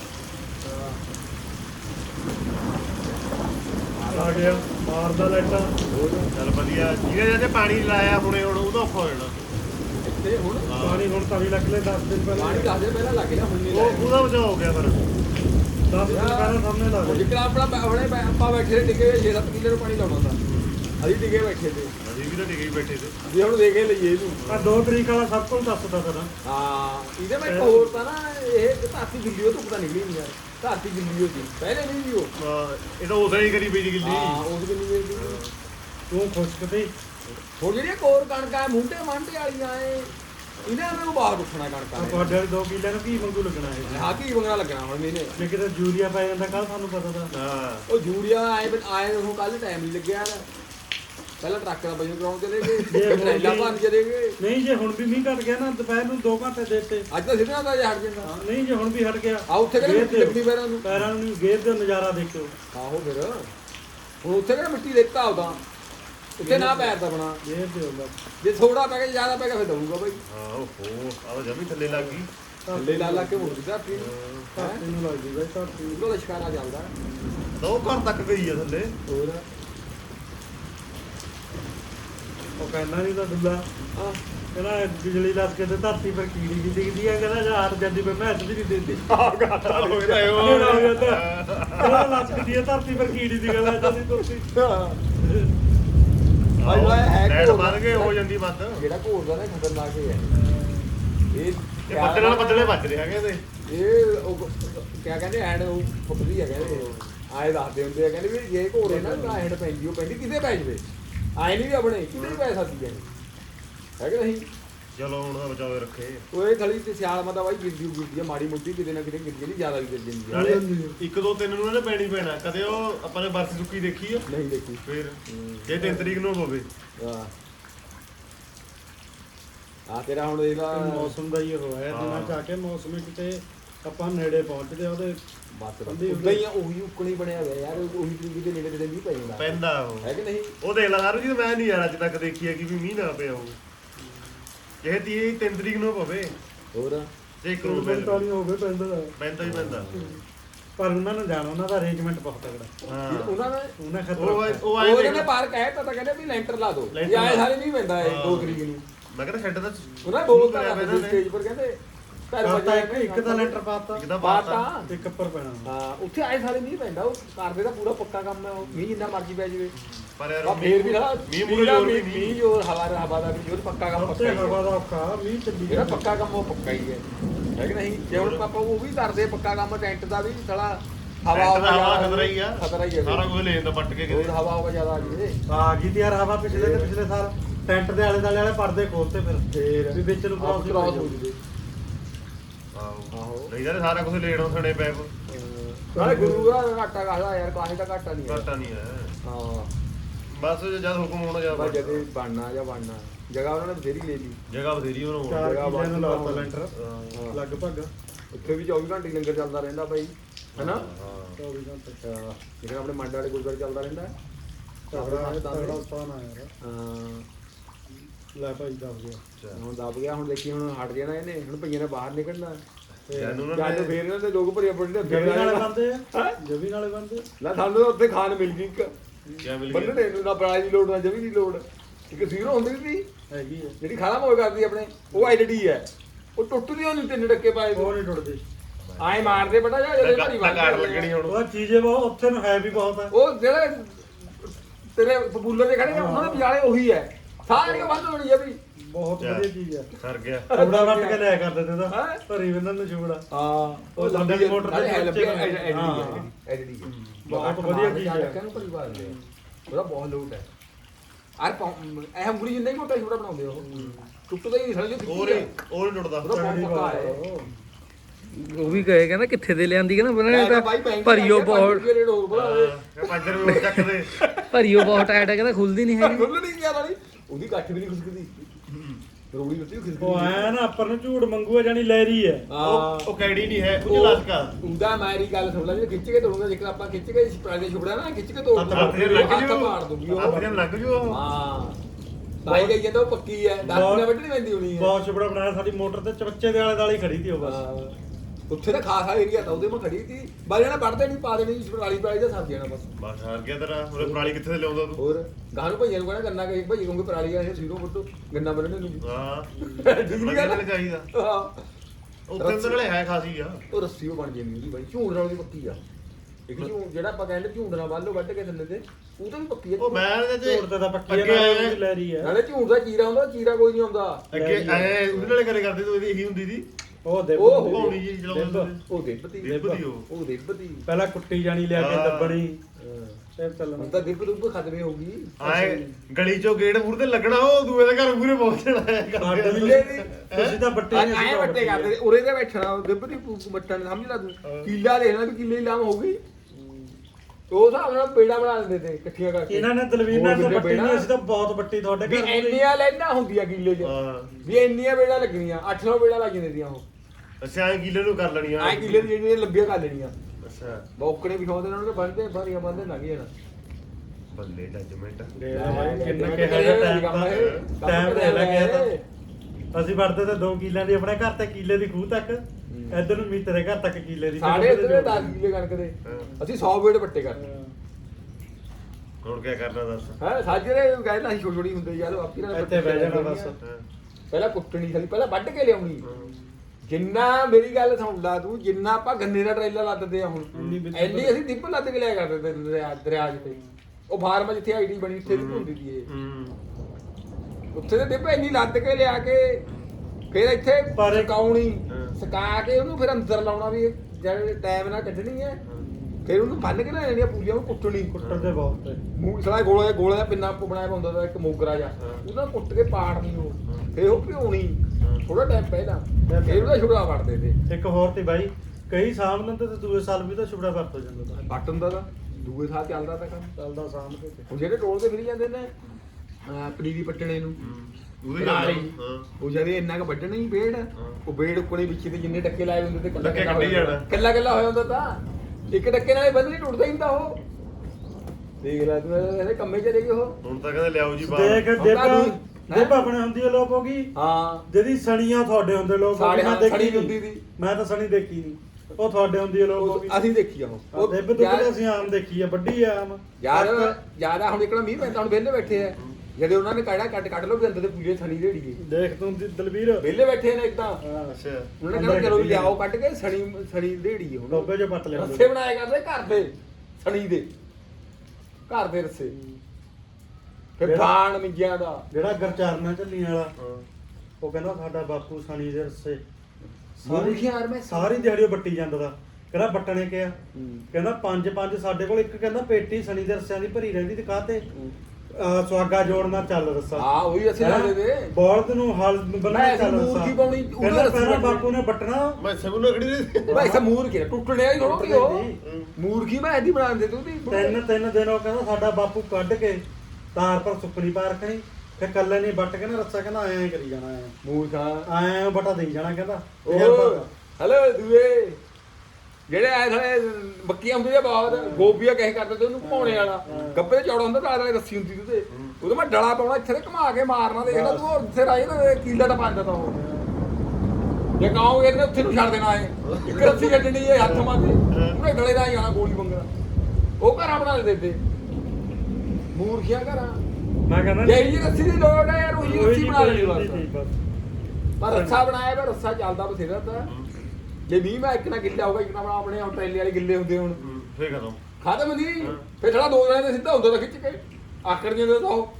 S3: ਆ ਗਿਆ ਮਾਰਦਾ ਲਾਈਟਾਂ।
S1: ਹੋਰ
S2: ਚੱਲ ਵਧੀਆ ਜਿਹਨੇ ਜਿਹਨੇ ਪਾਣੀ ਲਾਇਆ ਹੁਣੇ ਹੁਣ ਉਹਦਾ ਔਖਾ ਹੋ ਜਾਣਾ
S1: ਤੇ ਹੁਣ
S3: ਪਾਣੀ ਹੁਣ ਤਾਲੀ ਲੱਗ ਲੈ ਦਸ ਦਿਨ ਪਹਿਲਾਂ
S1: ਪਾਣੀ ਦੱਸ ਦੇ ਪਹਿਲਾਂ ਲੱਗ ਗਿਆ ਹੁਣ ਨਹੀਂ
S2: ਉਹ ਉਹਦਾ ਬਚਾਅ ਹੋ ਗਿਆ ਫਿਰ
S3: ਦਸ ਦਿਨ ਪਹਿਲਾਂ ਸਾਹਮਣੇ ਲਾ
S1: ਉਹ
S3: ਦੇ
S1: ਜਿੱਕਣਾ ਆਪਣਾ ਬੈ- ਹੁਣੇ ਬੈ- ਆਪਾਂ ਬੈਠੇ ਡਿੱਗੇ ਛੇ ਸੱਤ ਕਿੱਲੇ ਨੂੰ ਪਾਣੀ ਲਾਉਣਾ ਤਾਂ ਅਸੀਂ ਡਿੱਗੇ ਬੈਠੇ ਤੇ
S2: ਅਸੀਂ ਵੀ ਤਾਂ ਟਿਕੇ ਹੀ ਬੈਠੇ ਤੇ
S1: ਵੀ ਹੁਣ ਦੇਖ ਹੀ ਲਈਏ ਇਹਨੂੰ
S3: ਆ ਦੋ ਤਰੀਕ ਵਾਲਾ ਸਭ ਤੋਂ ਦੱਸਦਾ ਤੇਰਾ
S1: ਹਾਂ ਇਹਦੇ ਵਿੱਚ ਇੱਕ ਹੋਰ ਤਾਂ ਨਾ ਇਹ ਧਰਤੀ ਗਿੱਲੀ ਉਹ ਧੁੱਪ ਤਾਂ ਨਿਕਲੀ ਨਹੀਂ ਯਾਰ ਧਰਤੀ ਗਿੱਲੀ ਹੋ ਸੀ ਪਹਿਲੇ ਨਹੀਂ ਸੀ ਉਹ
S2: ਹਾਂ, ਇਹ ਤਾਂ ਉਦਾਂ ਹੀ ਕਰੀ ਪਈ ਜੀ ਗਿੱਲੀ
S1: ਹਾਂ ਉਸ ਕਿੰਨੀ ਵੇਰ ਦੀ
S3: ਤੂੰ ਖੁਸ਼ਕ ਤੇ
S1: ਹੁਣ ਜਿਹੜੀਆਂ ਕੋਰ ਕਣਕਾਂ ਮੁੰਡੇ ਮਾਂਡੇ ਵਾਲੀਆਂ ਏ ਇਹਨਾਂ ਨੂੰ ਬਾਹਰ ਉੱਠਣਾ
S3: ਆ
S1: ਕਣਕਾਂ ਨੇ
S3: ਤੁਹਾਡੇ ਵਾਲੇ ਦੋ ਕਿੱਲੇ ਨੂੰ ਕੀ ਮੰਗੂ ਲੱਗਣਾ ਹੈ
S1: ਹਾਂ ਕੀ ਬੰਗਣਾ ਲੱਗਣਾ ਹੁਣ ਮੈਨੇ
S3: ਜੇ ਕਿਤੇ ਯੂਰੀਆ ਪੈ ਜਾਂਦਾ ਕੱਲ ਸਾਨੂੰ ਪਤਾ ਤਾਂ
S2: ਹਾਂ
S1: ਉਹ ਜੂੜੀਆ ਆਏ ਬਟ ਆਏ ਉਹ ਕੱਲ ਟਾਈਮ ਨਹੀਂ ਲੱਗਿਆ ਯਾਰ ਪਹਿਲਾਂ ਟਰੱਕ ਦਾ ਵਜਨ ਕਰਾਉਣ ਚਲੇ ਗਏ ਫਿਰ ਟਰੈਲਾ ਭਰਨ ਚਲੇ ਗਏ
S3: ਨਹੀਂ ਜੇ ਹੁਣ ਵੀ ਮੀਂਹ ਘਟ ਗਿਆ ਨਾ ਦੁਪਹਿਰ ਨੂੰ ਦੋ ਘੰਟੇ ਦੇ ਦਿੱਤੇ
S1: ਅੱਜ ਤਾਂ ਸਿੱਧਾ ਦਾ ਹਟ ਜਾਂਦਾ
S3: ਨਹੀਂ ਜੇ ਹੁਣ ਵੀ ਹਟ ਗਿਆ
S1: ਆ ਉੱਥੇ ਕਿਹੜਾ ਮਿੱਟੀ ਲੱਗਣੀ ਪੈਰਾਂ ਨੂੰ
S3: ਪੈਰਾਂ ਨੂੰ ਗੇਰ ਦੇ ਨਜ਼ਾਰਾ ਦੇਖਿਓ
S1: ਆਹੋ ਫਿਰ ਹੁਣ ਉੱਥੇ ਕਿਹੜਾ ਮਿੱਟੀ ਦੇਖਤਾ ਉਹਦਾ ਉੱਥੇ ਨਾ ਪੈਰ ਦਾ ਬਣਾ
S3: ਗੇਰ ਦੇ ਹੁੰਦਾ
S1: ਜੇ ਥੋੜਾ ਪੈ ਗਿਆ ਜ਼ਿਆਦਾ ਪੈ ਗਿਆ ਫਿਰ ਦਊਗਾ ਬਾਈ
S2: ਹਾਂ ਓਹੋ ਆਹ ਜਮੀ ਥੱਲੇ ਲੱਗ ਗਈ
S1: ਥੱਲੇ ਲਾ ਲਾ ਕੇ ਮੁੜ ਜਾ ਫਿਰ
S3: ਧਰਤੀ ਨੂੰ ਲੱਗ ਜੂਗਾ ਧਰਤੀ ਨੂੰ।
S1: ਉਹਦਾ ਲਸ਼ਕਾਰਾ ਚੱਲਦਾ
S2: ਦੋ ਘਰ ਤੱਕ ਗਈ ਆ ਥੱਲੇ
S1: ਹੋਰ
S3: ਉਹ ਕਹਿੰਦਾ ਨਹੀਂ ਤਾਂ ਦੁੱਲਾ
S1: ਹਾਂ
S3: ਕਹਿੰਦਾ ਬਿਜਲੀ ਲੱਗ ਕੇ ਤੇ ਧਰਤੀ ਪਰ ਕੀੜੀ ਵੀ ਦਿਖਦੀ ਆ ਕਹਿੰਦਾ ਯਾਰ ਜਾਂਦੀ ਪਰ ਮੈਂ ਵੀ ਨਹੀਂ ਦਿੰਦੀ
S2: ਆਹ ਗਾਤਾ ਹੋ ਗਿਆ
S3: ਹਨੇਰਾ ਹੋ ਜਾਂਦਾ ਕਹਿੰਦਾ ਲੱਗ ਆ ਧਰਤੀ ਪਰ ਕੀੜੀ ਦੀ ਗੱਲ ਆ ਜਾਂਦੀ ਤੁਸੀਂ
S1: ਭਾਈ ਉਹ ਹੈ
S2: ਲੈਟ
S1: ਘੋਰ
S2: ਮਾਰ ਕੇ ਹੋ ਜਾਂਦੀ ਬੰਦ
S1: ਜਿਹੜਾ ਘੋਰ ਦਾ ਨਾ ਖਤਰਨਾਕ ਹੀ ਹੈ ਇਹ
S2: ਇਹ ਬੱਦਲ ਨਾਲ ਬੱਦਲੇ ਵੱਜ ਰਹੇ ਹੈਗੇ ਤੇ
S1: ਇਹ ਉਹ ਕਿਆ ਕਹਿੰਦੇ ਐਂਡ ਉਹ ਫੁੱਟਦੀ ਹੈ ਕਹਿੰਦੇ ਆਏ ਦੱਸਦੇ ਹੁੰਦੇ ਆ ਕਹਿੰਦੇ ਵੀ ਜੇ ਘੋਰੇ ਨਾ ਤਾਂ ਐਂਡ ਪੈਂਦੀ ਉਹ ਪੈਂਦੀ ਕਿਤੇ ਪੈ ਜਵੇ ਆਏ ਨਹੀਂ ਵੀ ਆਪਣੇ ਕਿਤੇ ਵੀ ਪੈ ਸਕਦੀ ਹੈ ਹੈ ਕਿ ਨਹੀਂ
S2: ਚਲੋ ਹੁਣ ਦਾ ਬਚਾਵੇ ਰੱਖੇ
S1: ਉਹ ਇਹ ਥਲੀ ਤੇ ਸਿਆਲ ਮਾ ਤਾਂ ਬਾਈ ਗਿਰਦੀ ਗਿਰਦੀ ਆ ਮਾੜੀ ਮੋਟੀ ਕਿਤੇ ਨਾ ਕਿਤੇ ਗਿਰਦੀ ਨਹੀਂ ਜ਼ਿਆਦਾ ਵੀ ਗਿਰ ਜਾਂਦੀ ਹੈ
S2: ਨਾਲੇ ਇੱਕ ਦੋ ਤਿੰਨ ਨੂੰ ਇਹਨੇ ਪੈਣੀ ਪੈਣਾ ਕਦੇ ਉਹ ਆਪਾਂ ਨੇ ਬਰਫ਼ ਸੁੱਕੀ ਦੇਖੀ ਆ
S1: ਨਹੀਂ ਦੇਖੀ
S2: ਫਿਰ ਜੇ ਤਿੰਨ ਤਰੀਕ ਨੂੰ ਹੋਵੇ
S1: ਵਾਹ ਆ ਤੇਰਾ ਹੁਣ ਦੇਖ ਲਾ
S3: ਮੌਸਮ ਦਾ ਹੀ ਹੋਇਆ ਦਿਨਾਂ ਚ ਆ ਕੇ ਮੌਸਮ ਕਿਤੇ ਆਪਾਂ ਨੇੜੇ ਪਹੁੰਚਦੇ ਆ ਉਹਦੇ
S1: ਬਸ ਉਦਾਂ ਹੀ ਆ, ਉਹੀ ਉੱਕਣੀ ਬਣਿਆ ਹੋਇਆ ਯਾਰ ਉਹੀ ਤਰੀਕੇ ਦੇ ਨੇੜੇ ਤੇੜੇ ਨਹੀਂ ਪੈ ਜਾਂਦਾ
S2: ਪੈਂਦਾ ਉਹ
S1: ਹੈ ਕਿ ਨਹੀਂ
S2: ਉਹ ਦੇਖ ਲਾ ਸਾਰੂ ਜੀ ਮੈਂ ਨਹੀਂ ਯਾਰ ਅੱਜ ਤੱਕ ਦੇਖੀ ਹੈ ਕਿ ਵੀ ਮੀਂਹ ਨਾ ਪਿਆ ਹੋਵੇ ਇਹ ਤੀ ਤਿੰਨ ਤਰੀਕ ਨੂੰ ਪਵੇ
S1: ਹੋਰ
S2: ਤੇ ਇੱਕ ਨੂੰ
S3: ਮਿੰਟ ਵਾਲੀ ਹੋਵੇ ਪੈਂਦਾ ਦਾ।
S2: ਪੈਂਦਾ ਹੀ ਪੈਂਦਾ
S3: ਪਰ ਉਹਨਾਂ ਨੂੰ ਜਾਣ ਉਹਨਾਂ ਦਾ ਅਰੇਂਜਮੈਂਟ ਬਹੁਤ ਤਗੜਾ
S2: ਹਾਂ
S1: ਉਹਨਾਂ ਨੇ
S3: ਉਹਨਾਂ
S2: ਉਹ
S3: ਖਤਰਾ
S2: ਉਹ
S1: ਉਹ
S2: ਆਏ
S1: ਇਹਨਾਂ ਨੇ
S2: ਦੇਖ
S1: ਪਾਰ ਕਹਿਤਾ ਤਾਂ ਕਹਿੰਦੇ ਵੀ ਲੈਂਟਰ ਲਾ ਦੋ
S2: ਲੈਂਟਰ
S1: ਇਹ ਆਏ
S2: ਲਾ।
S1: ਸਾਰੇ ਨਹੀਂ ਪੈਂਦਾ ਇਹ ਦੋ ਤਰੀਕ ਨੂੰ
S2: ਮੈਂ ਕਹਿੰਦਾ ਛੱਡ ਦਾ
S1: ਉਹਨਾਂ ਨੇ ਬੋਲਤਾ ਸਟੇਜ ਪਰ ਕਹਿੰਦੇ ਘਰ
S3: ਤਾਂ
S1: ਵਜਾਇਆ
S3: ਇੱਕ ਇੱਕ ਤਾਂ ਲੈਂਟਰ ਪਾਤਾ
S2: ਇੱਕ ਤਾਂ ਬਾਤ ਆ
S1: ਪਾਤਾ
S3: ਇੱਕ ਉੱਪਰ ਪੈਣਾ
S1: ਹਾਂ ਉੱਥੇ ਆਏ ਸਾਰੇ ਨਹੀਂ ਪੈਂਦਾ ਉਹ ਕਰਦੇ ਦਾ ਪੂਰਾ ਪੱਕਾ ਕੰਮ ਹੈ ਉਹ ਮੀਂਹ ਜਿੰਨਾ ਮਰਜ਼ੀ ਪੈ ਜਾਵੇ
S2: ਪਰ ਯਾਰ
S1: ਆ ਫੇਰ ਵੀ ਨਾ
S2: ਮੀਂਹ ਮੂਰੇ ਜ਼ੋਰ ਵੀ ਨਹੀਂ
S1: ਮੀਂਹ ਜੋਰ ਹਵਾ ਦਾ ਹਵਾ ਦਾ ਵੀ ਜੋਰ ਪੱਕਾ ਕੰਮ
S3: ਉੱਤੇ
S1: ਪੱਕਾ ਹੀ
S3: ਹਵਾ
S1: ਹੈ
S3: ਦਾ ਔਖਾ ਮੀਂਹ ਚੱਲੀ
S1: ਜਿਹੜਾ ਪੱਕਾ ਕੰਮ ਉਹ ਪੱਕਾ ਹੀ ਹੈ ਹੈ ਕਿ ਨਹੀਂ ਜੇ ਹੁਣ ਆਪਾਂ ਉਹ ਵੀ ਕਰਦੇ ਪੱਕਾ ਕੰਮ ਟੈਂਟ ਦਾ ਵੀ ਥੋੜਾ ਹਵਾ
S2: ਟੈਂਟ ਦਾ ਹਵਾ
S1: ਜ਼ਿਆਦਾ
S2: ਖਤਰਾ ਹੀ ਆ
S1: ਖਤਰਾ ਹੀ ਹੈ
S2: ਸਾਰਾ ਕੁਝ ਲੈ ਜਾਂਦਾ ਪੱਟ ਕੇ
S1: ਹੋਰ
S2: ਕਿਤੇ
S1: ਹਵਾ ਹੋਵੇ ਜ਼ਿਆਦਾ ਆ ਜੇ
S3: ਆ ਗਈ ਤੇ ਯਾਰ ਹਵਾ ਪਿਛਲੇ ਤੇ ਪਿਛਲੇ ਸਾਲ ਟੈਂਟ ਦੇ ਆਲੇ ਦੁਆਲੇ ਵਾਲੇ ਪਰਦੇ ਖੋਲਤੇ ਫਿਰ
S1: ਫੇਰ
S3: ਵੀ ਵਿੱਚ ਨੂੰ
S1: ਕ੍ਰਾਸ
S3: ਕ੍ਰਾਸ
S1: ਹੋ ਜੂਗੇ
S2: ਆਹੋ
S1: ਆਹੋ
S2: ਨਹੀਂ ਯਾਰ ਸਾਰਾ ਕੁਝ ਲੈਣੋਂ ਥਣੇ ਪੈਪ
S1: ਨਾਲੇ ਗੁਰੂ ਦਾ ਘਾਟਾ ਕਹਦਾ ਯਾਰ ਕਾਹੇ ਦਾ ਘਾਟਾ ਨਹੀਂ ਹੈ
S2: ਘਾਟਾ ਨਹੀਂ ਹੈ
S1: ਹਾਂ
S2: ਬਸ ਜਦ ਹੁਕਮ ਹੋਣਾ ਜਾ
S1: ਬਸ ਜਦੇ ਬਣਨਾ ਜਾਂ ਬਣਨਾ ਜਗ੍ਹਾ ਉਹਨਾਂ ਨੇ ਬਥੇਰੀ ਲੈ ਲਈ
S2: ਜਗ੍ਹਾ ਬਥੇਰੀ ਉਹਨੂੰ
S3: ਚਾਰ
S1: ਜਗ੍ਹਾ
S3: ਕਿੱਲਿਆਂ ਨੂੰ
S1: ਬਾਕੀ
S3: ਲਾਤਾ ਲੈਂਟਰ
S1: ਹਾਂ।
S3: ਲਗਭਗ
S1: ਉੱਥੇ ਵੀ ਚੌਵੀ ਘੰਟੇ ਲੰਗਰ ਚੱਲਦਾ ਰਹਿੰਦਾ ਬਾਈ ਹੈਨਾ
S2: ਹਾਂ
S3: ਚੌਵੀ ਘੰਟੇ
S1: ਅੱਛਾ ਜਿਹੜਾ ਆਪਣੇ ਮੰਡ ਵਾਲੇ ਗੁਰਦੁਆਰੇ ਚੱਲਦਾ ਰਹਿੰਦਾ ਹੈ।
S3: ਤਗੜਾ ਤਗੜਾ ਸਥਾਨ ਆ ਯਾਰ
S1: ਹਾਂ
S3: ਲੈ ਭਾਈ ਦੱਸ ਗਿਆ
S1: ਹੁਣ ਦਬ ਗਿਆ ਹੁਣ ਦੇਖੀ ਹੁਣ ਹਟ ਜਾਣਾ ਇਹਨੇ ਹੁਣ ਭਈਆਂ ਨੇ ਬਾਹਰ ਨਿਕਲਣਾ
S2: ਜਾਨੂੰ ਨਾ
S1: ਜਦ ਫੇਰ ਇਹਨਾਂ ਦੇ ਲੋਕ ਭਰੀਆਂ ਪੜਦੇ
S3: ਜਵੀ ਨਾਲੇ ਬੰਦੇ ਆ
S1: ਹੈਂ?
S3: ਜਵੀ ਨਾਲੇ ਬੰਦੇ
S1: ਨਾ ਸਾਨੂੰ ਤਾਂ ਉੱਥੇ ਖਾਣ ਮਿਲ ਗਈ ਇੱਕ
S2: ਕਿਆ ਮਿਲ ਗਿਆ
S1: ਬੰਨਣੇ ਨੂੰ ਨਾ ਪਰਾਲੀ ਦੀ ਲੋੜ ਨਾ ਜਵੀ ਦੀ ਲੋੜ ਇੱਕ ਜ਼ੀਰੋ ਹੁੰਦੀ ਸੀ
S3: ਹੈਗੀ ਹੈ
S1: ਜਿਹੜੀ ਖਾਣਾ ਮੋਏ ਕਰਦੀ ਆਪਣੇ ਉਹ ਆਈਡੀ ਹੈ ਉਹ ਟੁੱਟਦੀ ਉਹ ਨਹੀਂ ਤਿੰਨ ਡੱਕੇ ਪਾਏ
S3: ਉਹ ਨਹੀਂ ਟੁੱਟਦੇ
S1: ਆਏ ਮਾਰਦੇ ਬਟਾ ਜਾ ਜਿਹੜੇ ਭਾਰੀ
S2: ਤਾਂ ਕਾਟ ਲੱਗਣੀ ਹੁਣ
S3: ਉਹ ਚੀਜ਼ੇ ਬਹੁਤ ਉੱਥੇ ਨੂੰ ਹੈ ਵੀ ਬਹੁਤ ਹੈ
S1: ਉਹ ਜਿਹੜੇ ਤੇਰੇ ਪਪੂਲਰ ਦੇ ਖੜੇ ਨੇ ਉਹਨਾਂ ਦੇ ਵਿਚਾਲੇ ਉਹੀ ਹੈ ਸਾਰੀਆਂ ਬੰਦ ਹੋਣੀ ਹੈ ਵੀ
S3: ਬਹੁਤ
S2: ਅੱਛਾ।
S3: ਵਧੀਆ ਚੀਜ਼ ਹੈ
S2: ਸਰ ਗਿਆ
S3: ਚੂੜਾ ਵੱਟ ਕੇ ਲਿਆ ਕਰਦੇ ਤੇ ਉਹਦਾ
S1: ਹੈਂ?
S3: ਭਰੀ ਬੰਨਣ ਨੂੰ ਚੂੜਾ
S1: ਹਾਂ
S3: ਉਹ ਲੰਬੀ ਮੋਟਰ ਦੇ
S1: ਹੈ
S3: ਬੱਚੇ
S1: ਲੱਭੇ
S3: ਬਣਾਏ।
S1: ਐਡੀ ਐਡੀ
S3: ਬਹੁਤ ਵਧੀਆ ਚੀਜ਼ ਹੈ।
S1: ਕਹਿੰਨੂੰ ਭਰੀ ਬਾਤ ਲੈ ਉਹਦਾ ਬਹੁਤ ਲੋਟ ਹੈ ਆਰ ਇਹ ਉਂਗਲੀ ਜਿੰਨਾ ਹੀ ਮੋਟਾ ਛੋਟਾ ਬਣਾਉਂਦੇ ਉਹ ਟੁੱਟਦਾ ਹੀ ਨਹੀਂ ਸਾਲੇ ਜੋ
S2: ਉਹ ਨਹੀਂ ਉਹ ਨਹੀਂ ਟੁੱਟਦਾ
S1: ਉਹਦਾ ਬਹੁਤ ਪੱਕਾ ਹੈ
S4: ਉਹ ਵੀ ਕਹੇ ਕਹਿੰਦਾ ਕਿੱਥੇ ਦੇ ਲਿਆਂਦੀ ਕਹਿੰਦਾ
S1: ਮੈਂ
S4: ਬਣਾਣੇ
S1: ਤਾਂ
S4: ਤਾਂ
S1: ਬਾਈ ਬੈਂਕ
S4: ਭਰੀਓ ਬਹੁਤ
S1: ਰੇਟ ਹੋਰ ਬਣਾਵੇ
S2: ਹਾਂ ਪੰਜ ਰੁਪਏ ਹੋਰ ਚੱਕਦੇ
S4: ਭਰੀਓ ਬਹੁਤ ਟਾਈਟ ਹੈ ਕਹਿੰਦਾ ਖੁੱਲਦੀ ਨਹੀਂ ਹੈਗੀ
S1: ਖੁੱਲ ਨਹੀਂ ਗਿਆ ਵਾਲੀ ਉਹਦੀ ਕੱਠ ਵੀ ਨਹੀਂ ਖੁਸਕਦੀ ਰੋੜੀ ਉੱਤੇ ਖਿਸਕਦੀ
S3: ਉਹ ਐ ਨਾ ਉੱਪਰ ਨੂੰ ਝੂੜ ਮੰਗੂ ਆ ਜਾਨੀ ਲੈਰੀ ਹੈ
S2: ਉਹ ਉਹ ਕੈੜੀ ਨਹੀਂ ਹੈ ਉਹ ਲਾਸਕਾ
S1: ਉਹਦਾ ਮੇਰੀ ਗੱਲ ਸੁਣ ਲੈ ਜੇ ਖਿੱਚ ਕੇ ਤੋੜੂਗਾ ਜੇਕਰ ਆਪਾਂ ਖਿੱਚ ਕੇ ਸਪਰਾਈਡੇ ਛੁਪੜਾ ਨਾ ਖਿੱਚ ਕੇ ਤੋੜ
S2: ਹੱਥ ਦੇ ਲੱਗ
S1: ਹੱਥ
S2: ਜੂ
S1: ਪਾੜ ਦੂਗੀ ਉਹ
S2: ਹੱਥ ਦੇ ਲੱਗ ਜੂ ਉਹ
S1: ਹਾਂ ਤਾਂ ਹੀ ਗਈ ਜਾਂਦਾ ਉਹ ਪੱਕੀ ਹੈ ਦਸ ਦਿਨਾਂ ਵੱਢਣੀ ਪੈਂਦੀ ਹੋਣੀ ਹੈ
S3: ਬਹੁਤ ਛੁਪੜਾ ਬਣਾਇਆ ਸਾਡੀ ਮੋਟਰ ਤੇ ਚਵੱਚੇ ਦੇ ਆਲੇ ਦਾਲੇ ਹੀ ਖੜੀ ਤੀ ਉਹ ਬਸ
S1: ਹਾਂ। ਉੱਥੇ ਤਾਂ ਖਾਸਾ ਏਰੀਆ ਤਾਂ ਉਹਦੇ ਮੈਂ ਖੜੀ ਸੀ ਬਾਈ ਜਣਾ ਵੱਢਦੇ ਨਹੀਂ ਪਾ ਦੇਣੀ ਪਰਾਲੀ ਪਰਾਲੀ ਦਾ ਸਰ ਜਾਣਾ ਬਸ
S2: ਬਸ ਹਾਰ ਗਿਆ ਤੇਰਾ ਉਹਦੇ ਪਰਾਲੀ ਕਿੱਥੇ ਤੇ ਲਿਆਉਂਦਾ ਤੂੰ
S1: ਹੋਰ ਗਾਂ ਨੂੰ ਭਈਆਂ ਨੂੰ ਕਹਿਣਾ ਗੰਨਾ ਕਿ ਭਈ ਕਹੂੰਗੇ ਪਰਾਲੀ ਆ ਇਹ ਜ਼ੀਰੋ ਫੁੱਟ ਗੰਨਾ ਬੰਨਣੇ ਨੂੰ
S2: ਹਾਂ
S1: ਠੀਕ ਹੈ ਨਾ?
S2: ਚਾਹੀਦਾ
S1: ਹਾਂ
S2: ਉੱਥੇ ਅੰਦਰ ਨਾਲੇ ਹੈ ਖਾਸੀ ਆ
S1: ਉਹ ਰੱਸੀ ਉਹ ਬਣ ਜਾਂਦੀ ਉਹਦੀ ਬਾਈ ਝੂੜ ਨਾਲ ਉਹਦੀ ਪੱਕੀ ਆ ਇੱਕ ਝੂੜ ਜਿਹੜਾ ਆਪਾਂ ਕਹਿੰਦੇ ਝੂੜ ਨਾਲ ਵੱਲੋਂ ਵੱਢ ਕੇ ਥੱਲੇ ਤੇ ਉਹ ਤਾਂ ਵੀ ਪੱਕੀ ਆ
S2: ਉਹ ਮੈਂ ਤੇ
S3: ਝੋੜ ਤੇ ਤਾਂ ਪੱਕੀ
S2: ਅੱਗੇ ਆਏ
S3: ਆ ਲੈ ਰਹੀ ਹੈ
S1: ਨਾਲੇ ਝੂੜ ਦਾ ਚੀਰਾ ਹੁੰਦਾ ਚੀਰਾ ਕੋਈ ਨਹੀਂ ਆਉਂਦਾ
S2: ਅੱਗੇ ਆਏ ਉਹਦੇ ਨਾਲੇ ਕਰੇ ਕਰਦੇ ਤੂੰ ਇਹਦੀ ਇਹੀ ਹੁੰਦੀ ਸੀ
S3: ਉਹ ਦੇ
S1: ਉਹ
S2: ਭੌਣੀ ਜੀ ਚਲਾਉਂਦੇ ਹੁੰਦੇ
S1: ਉਹ ਦਿੱਬਤੀ
S2: ਦਿੱਬਦੀ ਉਹ
S1: ਉਹ ਦਿੱਬਤੀ
S3: ਪਹਿਲਾਂ ਕੁੱਟੀ ਜਾਣੀ ਲਿਆ ਕੇ
S2: ਹਾਂ।
S3: ਦੱਬਣੀ ਫਿਰ ਚੱਲਣਾ
S1: ਹੁਣ ਤਾਂ ਦਿੱਬ ਦੁੱਬ ਖਤਮੇ ਹੋ ਗਈ
S2: ਆਏ ਗਲੀ ਚੋਂ ਗੇਟ ਮੂਹਰੇ ਤੇ ਲੱਗਣਾ ਉਹ ਦੂਏ ਦੇ ਘਰ ਮੂਹਰੇ ਪਹੁੰਚਣਾ
S3: ਸਾਡੇ
S2: ਹੈ
S3: ਵੀ
S1: ਕਿੱਲੇ ਦੀ
S3: ਤੁਸੀਂ ਤਾਂ ਬੱਟੇ ਨਹੀਂ
S1: ਆਏ ਵੱਟੇ ਕਰਦੇ ਤੇ ਉਰੇ ਤੇ ਬੈਠਣਾ ਦਿੱਬਤੀ ਬੱਟਾਂ ਨੇ ਸਮਝ ਲਾ ਤੂੰ ਕੀਲਾ ਦੇਖਣਾ ਵੀ ਕਿੱਲੇ ਲਾਮ ਹੋ ਗਈ ਉਹ ਹਿਸਾਬ ਨਾਲ ਪੇੜਾ ਬਣਾ ਦਿੰਦੇ ਤੇ ਇਕੱਠੀਆਂ ਕਰਕੇ
S3: ਇਹਨਾਂ ਨੇ ਦਲਵੀਰ ਨਾਲ ਤਾਂ ਬੱਟੀ ਨਹੀਂ ਅਸੀਂ ਤਾਂ ਬਹੁਤ ਬੱਟੀ ਤੁਹਾਡੇ
S1: ਵੀ
S3: ਘਰ ਨੂੰ
S1: ਇੰਨੀਆਂ ਲੈਣਾ ਹੁੰਦੀਆਂ ਕਿੱਲੇ 'ਚ
S2: ਹਾਂ
S1: ਵੀ ਇੰਨੀਆਂ ਬੇੜਾ ਲੱਗਣੀਆਂ ਅੱਠ ਨੌ ਬੇੜਾ ਲੱਗ ਜਾਂਦੀਆਂ ਉਹ
S2: ਅੱਛਾ ਐ ਕਿਲੇ ਨੂੰ ਕਰ ਲੈਣੀਆਂ
S1: ਐ ਕਿੱਲੇ ਦੀ ਜਿਹੜੀਆਂ ਲੰਬੀਆਂ ਕਰ ਲੈਣੀਆਂ
S2: ਅੱਛਾ
S1: ਬੌਕੜੇ ਵਿਖਾਉਂਦੇ ਉਹਨਾਂ ਨੂੰ ਬੰਦੇ ਭਾਰੀਆਂ ਬੰਦੇ ਲੰਘ ਜਾਣਾ
S2: ਬੱਲੇ ਜੱਜਮੈਂਟ
S3: ਦੇਖ ਲੈ ਬਾਈ ਕਿੰਨਾ
S1: ਮੈਂ
S3: ਕਿਹਾ
S1: ਕਿਹਾ
S3: ਟਾਈਮ
S1: ਕੰਮ
S3: ਦਾ
S1: ਇਹ, ਕੰਮ
S3: ਟਾਈਮ
S1: ਕਰਿਆ
S3: ਦੇ ਲੱਗਿਆ ਤਾਂ
S1: ਇਹ।
S3: ਅਸੀਂ ਵੜਦੇ ਤੇ ਦੋ ਕਿੱਲਿਆਂ ਦੀ ਆਪਣੇ ਘਰ ਤੇ ਕਿੱਲੇ ਦੀ ਖੂਹ ਤੱਕ ਇੱਧਰ ਨੂੰ ਮੀਤੇ ਦੇ ਘਰ ਤੱਕ ਕਿੱਲੇ ਦੀ
S1: ਸਾਡੇ ਇੱਧਰ ਦੇ ਦਸ ਕਿੱਲੇ ਕਣਕ ਦੇ
S2: ਹਾਂ।
S1: ਅਸੀਂ ਸੌ ਵੇੜ ਪੱਟੇ ਕਰਦੇ
S2: ਹੁਣ ਕੀ ਕਰਨਾ ਦੱਸ
S1: ਹੈ ਸਾਜਰੇ ਕਹਿੰਦਾ ਅਸੀਂ ਛੋਟੀ ਛੋਟੀ ਹੁੰਦੇ ਯਾਰ ਆਪੀ ਨਾਲ
S3: ਇੱਥੇ ਬਹਿ ਜਾਣਾ ਬਸ
S2: ਹਾਂ।
S1: ਪਹਿਲਾਂ ਕੁੱਟਣੀ ਸਾਲੀ ਪਹਿਲਾਂ ਵੱਢ ਕੇ ਲਿਆਉਣੀ ਜਿੰਨਾ ਮੇਰੀ ਗੱਲ ਸੁਣ ਲਾ ਤੂੰ ਜਿੰਨਾ ਆਪਾਂ ਗੰਨੇ ਦਾ ਟਰੇਲਾ ਲੱਦਦੇ ਆ ਹੁਣ
S3: ਉਨੀ ਬਿਲਕੁਲ
S1: ਐਨੀ ਅਸੀਂ ਦਿੱਪ ਲੱਦ ਕੇ ਲਿਆ ਕਰਦੇ ਤੇ ਦਰਿਆ ਦਰਿਆ 'ਚ ਤੇ ਉਹ ਫਾਰਮ ਜਿੱਥੇ ਆਈਡੀ ਬਣੀ ਉੱਥੇ ਵੀ ਹੁੰਦੀ ਸੀ ਇਹ
S2: ਹੂੰ
S1: ਉੱਥੇ ਤੇ ਦਿੱਪ ਇੰਨੀ ਲੱਦ ਕੇ ਲਿਆ ਕੇ ਫਿਰ ਇੱਥੇ
S3: ਪਰ ਇੱਕ-
S1: ਸੁਕਾਉਣੀ
S2: ਹਾਂ।
S1: ਸੁਕਾ ਕੇ ਉਹਨੂੰ ਫਿਰ ਅੰਦਰ ਲਾਉਣਾ ਵੀ ਜਿਹੜੇ ਟਾਈਮ ਨਾਲ ਕੱਢਣੀ ਹੈ ਫਿਰ ਉਹਨੂੰ ਬੰਨ ਕੇ ਲੈ ਜਾਣੀਆਂ ਪੂਰੀਆਂ ਉਹ ਕੁੱਟਣੀ
S3: ਕੁੱਟਰ ਦੇ ਬਹੁਤ ਤੇ
S1: ਮੂੰਹ ਸਲਾ ਗੋਲਾ ਗੋਲਾ ਦਾ ਪਿੰਨਾ ਬਣਾਇਆ ਹੁੰਦਾ ਤਾਂ ਇੱਕ ਮੋਗਰਾ ਜਿਹਾ
S2: ਹਾਂ।
S1: ਉਹਨਾਂ ਨੂੰ ਕੁੱਟ ਕੇ ਪਾੜਨੀ ਉਹ ਫਿਰ ਉਹ ਭਿਉਣੀ
S2: ਹਾਂ।
S1: ਥੋੜਾ ਟਾਈਮ ਪਹਿਲਾਂ ਫਿਰ ਉਹਦਾ ਛੁੜਾ ਵੜਦੇ ਤੇ
S3: ਇੱਕ ਹੋਰ ਤੇ ਬਾਈ ਕਈ ਸਾਂਭ ਲੈਂਦੇ ਤੇ ਦੂਏ ਸਾਲ ਵੀ ਤਾਂ ਛੁਪੜਾ ਵਰਤ ਹੋ ਜਾਂਦਾ ਤਾਂ
S1: ਬੱਟ ਹੁੰਦਾ ਤਾਂ ਦੂਏ ਸਾਲ ਚੱਲਦਾ ਤਾਂ ਕੰਮ
S3: ਚੱਲਦਾ ਸਾਂਭਦੇ ਤੇ
S1: ਹੁਣ ਜਿਹੜੇ ਟੋਲ ਤੇ ਫਿਰੀ ਜਾਂਦੇ ਨੇ ਅਹ ਪਨੀਰੀ ਪੱਟਣੇ ਨੂੰ
S2: ਉਹਦੇ
S1: ਨਾਲ
S2: ਨਾਲ
S1: ਹੀ।
S2: ਹਾਂ
S1: ਉਹ ਜਦੇ ਇੰਨਾ ਕ ਵੱਢਣਾ ਹੀ ਬੇੜ ਉਹ ਬੇੜ ਕੋਲੇ ਵਿੱਚ ਤੇ ਜਿੰਨੇ ਟੱਕੇ ਲਾਏ ਹੁੰਦੇ ਤੇ ਕੱਲਾ
S2: ਟੱਕੇ
S1: ਕੱਲਾ
S2: ਕੱਢੀ
S1: ਹੋਇਆ
S2: ਜਾਣਾ।
S1: ਕੱਲਾ ਕੱਲਾ ਹੋਇਆ ਹੁੰਦਾ ਤਾਂ ਇੱਕ ਟੱਕੇ ਨਾਲੇ ਬੰਦਰੀ ਟੁੱਟਦਾ ਹੀ ਹੁੰਦਾ ਉਹ ਦੇਖ ਲੈ ਤੂੰ ਇਹਦੇ ਕੰਮੇ ਚਲੇ ਗਏ ਉਹ
S2: ਹੁਣ ਤਾਂ ਕਹਿੰਦੇ ਲਿਆਓ ਜੀ
S3: ਦੇਖ
S2: ਬਾਹਰ
S3: ਦੇਪਾ
S1: ਹੈਂ?
S3: ਦੇਪਾ ਆਪਣੇ ਹੁੰਦੀ ਹੈ ਲੋਪ ਹੋ ਗਈ
S1: ਹਾਂ
S3: ਜਿਹਦੀ ਸਣੀਆਂ ਤੁਹਾਡੇ ਹੁੰਦੇ ਲੋਕ
S1: ਸਾਡੇ
S3: ਮੈਂ
S1: ਹਾਂ,
S3: ਦੇਖੀ
S1: ਸਣੀ
S3: ਨਹੀਂ।
S1: ਹੁੰਦੀ ਸੀ।
S3: ਮੈਂ ਤਾਂ ਸਣੀ ਦੇਖੀ ਨਹੀਂ ਉਹ ਤੁਹਾਡੇ ਹੁੰਦੀ ਹੈ ਲੋਕ ਹੋ
S1: ਉਹ
S3: ਗਈ
S1: ਅਸੀਂ ਦੇਖੀ ਆ ਉਹ
S3: ਉਹ ਦੇਬ
S1: ਯਾਰ-
S3: ਦੁੱਧ ਅਸੀਂ ਆਮ ਦੇਖੀ ਆ ਵੱਡੀ ਆ ਆਮ
S1: ਯਾਰ ਜਿਆਦਾ ਹੁਣ ਇਕਣਾ ਮੀਂਹ ਪੈਂਦਾ ਹੁਣ ਵਿਹਲੇ ਬੈਠੇ ਆ ਜਦੇ ਉਹਨਾਂ ਨੇ ਕਾੜਾ ਕੱਟ ਕੱਢ ਲਓ ਵੀ ਅੰਦਰ ਤੇ ਪੂਰੇ ਥਣੀ ਢੇੜੀਏ
S3: ਦੇਖ ਤੂੰ ਦ- ਦਲਵੀਰ
S1: ਵਿਹਲੇ ਬੈਠੇ ਨੇ ਇੱਕ ਤਾਂ
S3: ਹਾਂ
S2: ਅੱਛਾ
S1: ਉਹਨਾਂ ਨੇ ਕਹਿੰਦਾ ਚਲੋ ਵੀ ਲਿਆਓ ਕੱਢ ਕੇ ਸਣੀ ਸਣੀ ਢੇੜੀਏ ਹੁਣ
S3: ਡੋਬੇ ਜੋ ਪੱਟ ਲਿਆ
S1: ਰੱਸੇ ਬਣਾਏ ਕਰਦੇ ਘਰ ਦੇ ਸਣੀ ਦੇ ਘਰ ਦੇ ਰੱਸੇ ਫਿਰ
S3: ਜਿਹੜਾ-
S1: ਬਾਣ ਮਿੰਜਿਆਂ ਦਾ
S3: ਜਿਹੜਾ ਗਰਚਰਨਾ ਝੱਲੀਆਂ ਵਾਲਾ
S2: ਹਾਂ
S3: ਉਹ ਕਹਿੰਦਾ ਸਾਡਾ ਬਾਪੂ ਸਣੀ ਦੇ ਰਸੇ
S1: ਮੂਰਖ ਯਾਰ ਮੈਂ
S3: ਸਾਰੀ ਦਿਹਾੜੀ ਉਹ ਬੱਟੀ ਜਾਂਦਾ ਦਾ ਕਹਿੰਦਾ ਬੱਟਣੇ ਕਿਹਾ ਕਹਿੰਦਾ ਪੰਜ ਪੰਜ ਸਾਡੇ ਕੋਲ ਇੱਕ ਕਹਿੰਦਾ ਪੇਟੀ ਸਣੀ ਦੇ ਰਸਿਆਂ ਦੀ ਭਰੀ ਰਹਿੰਦੀ ਤੇ ਕਾਹਤੇ ਅਹ ਸੁਆਗਾ ਜੋੜਨਾ ਚੱਲ ਰਸਾ
S1: ਹਾਂ ਉਹੀ ਅਸੀਂ ਲਾਦੇ ਦੇ
S3: ਬੋਲਦ ਨੂੰ ਹਲ ਬੰਨਣਾ
S1: ਮੈਂ
S3: ਚੱਲ
S1: ਮੂਰਖੀ
S3: ਰਸਾ
S1: ਪਾਉਣੀ, ਉਹਦਾ
S3: ਕਹਿੰਦਾ
S1: ਰੱਸੀ
S3: ਪਹਿਲਾਂ
S1: ਵੱਢਣੀ।
S3: ਬਾਪੂ ਨੇ ਬੱਟਣਾ
S2: ਮੈਂ ਸਭ ਨੂੰ ਖੜੀ ਰਹੀ
S1: ਭਾਈ ਸਾ ਮੂਰਖ ਹੈ ਟੁੱਟਣੇ ਵਾਲੀ ਥੋੜੋ ਕੀ ਉਹ
S3: ਨਹੀਂ।
S1: ਮੂਰਖੀ ਮੈਂ ਐਦੀ ਬਣਾ ਦਿੰਦੇ ਤੂੰ ਦੀ
S3: ਤਿੰਨ ਤਿੰਨ ਦਿਨ ਉਹ ਕਹਿੰਦਾ ਸਾਡਾ ਬਾਪੂ ਕੱਢ ਕੇ ਤਾਰ ਪਰ ਸੁੱਕਣੀ ਪਾ ਰੱਖਣੀ ਫਿਰ ਕੱਲੇ ਨਹੀਂ ਬੱਟ ਕੇ ਨਾ ਰੱਸਾ ਕਹਿੰਦਾ ਐਂ ਕਰੀ ਜਾਣਾ ਐਂ
S1: ਮੂਰਖਾ
S3: ਐਂ ਬਟਾ ਦੇਈ ਜਾਣਾ ਕਹਿੰਦਾ
S1: ਉਹ ਹਲੋ ਦੂਏ ਜਿਹੜੇ ਆਏ ਥਲੇ ਬੱਕੀਆਂ ਹੁੰਦੀਆਂ ਬਾਅਦ ਗੋਬੀਆ ਕਹੇ ਕਰਦੇ ਤੇ ਉਹਨੂੰ ਘਮਾਉਣੇ ਵਾਲਾ ਗੱਬੇ ਚੌੜਾ ਹੁੰਦਾ ਤਾਂ ਆਲੇ ਰੱਸੀ ਹੁੰਦੀ ਉਹਦੇ ਉਹਦੇ ਮੈਂ ਡਲਾ ਪਾਉਣਾ ਇੱਥੇ ਤੇ ਘਮਾ ਕੇ ਮਾਰਨਾ ਦੇਖ ਲੈ ਤੂੰ ਉੱਥੇ ਰਾਈ ਤੇ ਕੀਲਾ ਤਾਂ ਪਾਉਂਦਾ ਤਾਂ ਉਹ ਜੇ ਕਹੋਗੇ ਇਹਨੇ ਉੱਥੇ ਨੂੰ ਛੱਡ ਦੇਣਾ ਏ ਇੱਕ ਰੱਸੀ ਕੱਢਣੀ ਏ ਹੱਥ ਮਾਤੇ ਉਹਨੇ ਡਲੇ ਦਾ ਹੀ ਆਣਾ ਗੋਲੀ ਮੰਗਣਾ ਉਹ ਘਰਾਂ ਬਣਾ ਦਿੰਦੇ ਮੂਰਖੀਆਂ ਘਰਾਂ
S3: ਮੈਂ ਕਹਿੰਦਾ
S1: ਜੇ ਇਹ ਰੱਸੀ ਦੀ ਲੋੜ ਹੈ ਯਾਰ ਉਹੀ ਰੱਸੀ ਬਣਾ ਲੈਣੀ ਬਸ
S3: ਬਸ
S1: ਪਰ ਰੱਸਾ ਬਣਾਇਆ ਵਾ ਰੱਸਾ ਚੱਲਦਾ ਬਥੇਰਾ ਤਾਂ ਜੇ ਮੀਂਹ ਮੈਂ ਇੱਕ ਨਾ ਗਿੱਲਾ ਹੋਗਾ ਇੱਕ ਨਾ ਆਪਣਾ ਆਪਣੇ ਹੁਣ ਟਰੇਲੇ ਵਾਲੇ ਗਿੱਲੇ ਹੁੰਦੇ ਹੁਣ
S2: ਫੇਰ ਕਦੋਂ
S1: ਖਾਦਮ ਨਹੀਂ ਫਿਰ ਥੋੜਾ ਦੋ ਜਣੇ ਤੇ ਸਿੱਧਾ ਹੁੰਦਾ ਤਾਂ ਖਿੱਚ ਕੇ ਆਕੜ ਜਾਂਦੇ ਤਾਂ ਉਹ